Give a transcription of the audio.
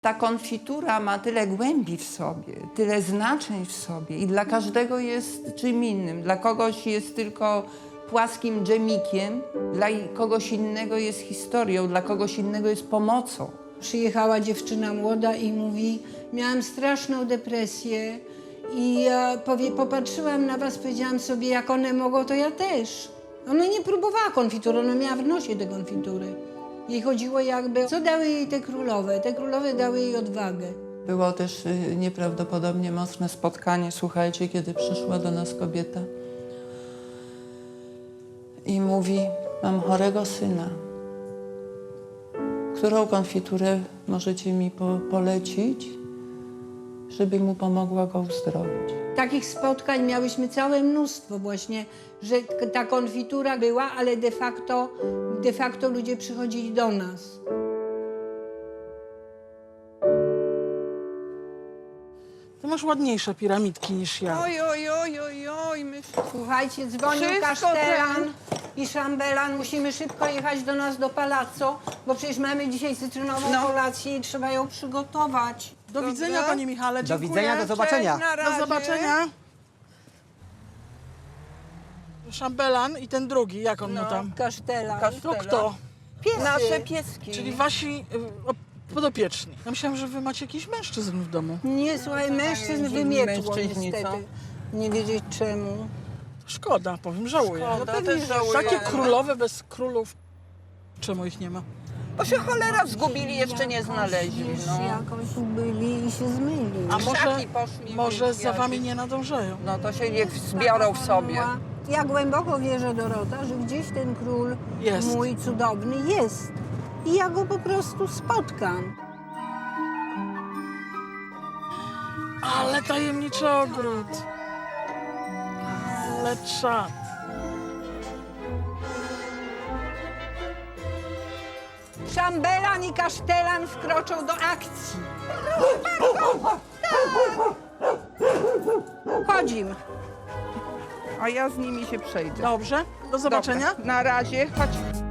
Ta konfitura ma tyle głębi w sobie, tyle znaczeń w sobie i dla każdego jest czym innym. Dla kogoś jest tylko płaskim dżemikiem, dla kogoś innego jest historią, dla kogoś innego jest pomocą. Przyjechała dziewczyna młoda i mówi, miałam straszną depresję i ja popatrzyłam na was, powiedziałam sobie, jak one mogą, to ja też. Ona nie próbowała konfitury, ona miała w nosie te konfitury. Jej chodziło jakby, co dały jej te królowe? Te królowe dały jej odwagę. Było też nieprawdopodobnie mocne spotkanie, słuchajcie, kiedy przyszła do nas kobieta i mówi, mam chorego syna. Którą konfiturę możecie mi polecić, żeby mu pomogła go uzdrowić? Takich spotkań miałyśmy całe mnóstwo właśnie, że ta konfitura była, ale de facto ludzie przychodzili do nas. Ty masz ładniejsze piramidki niż ja. Oj, Słuchajcie, dzwonił Wszystko kasztelan i szambelan. Musimy szybko jechać do nas do Palazzo, bo przecież mamy dzisiaj cytrynową kolację i trzeba ją przygotować. Do widzenia, panie Michale, Do dziękuję. widzenia, do zobaczenia. Do zobaczenia. Szambelan i ten drugi, jak on mu tam? Kasztelan. To kto? Piesy. nasze pieski. Czyli wasi podopieczni. Ja myślałam, że wy macie jakichś mężczyzn w domu. Nie, słuchaj, mężczyzn wymietło mężczyźni, niestety. Nie wiedzieć czemu. Szkoda, powiem, żałuję. Szkoda, też żałuję. Takie królowe bez królów. Czemu ich nie ma? Bo się cholera zgubili, jeszcze nie znaleźli. No. Jakąś byli i się zmyli. A Krzaki poszli, może za wyzwiali. wami nie nadążają? No to się niech zbiorą w sobie. Ja głęboko wierzę, Dorota, że gdzieś ten król Jest. mój cudowny jest. I ja go po prostu spotkam. Ale tajemniczy ogród. Ale czad. Szambelan i kasztelan wkroczą do akcji. Chodzimy. A ja z nimi się przejdę. Dobrze, do zobaczenia. Dobra, na razie, chodź.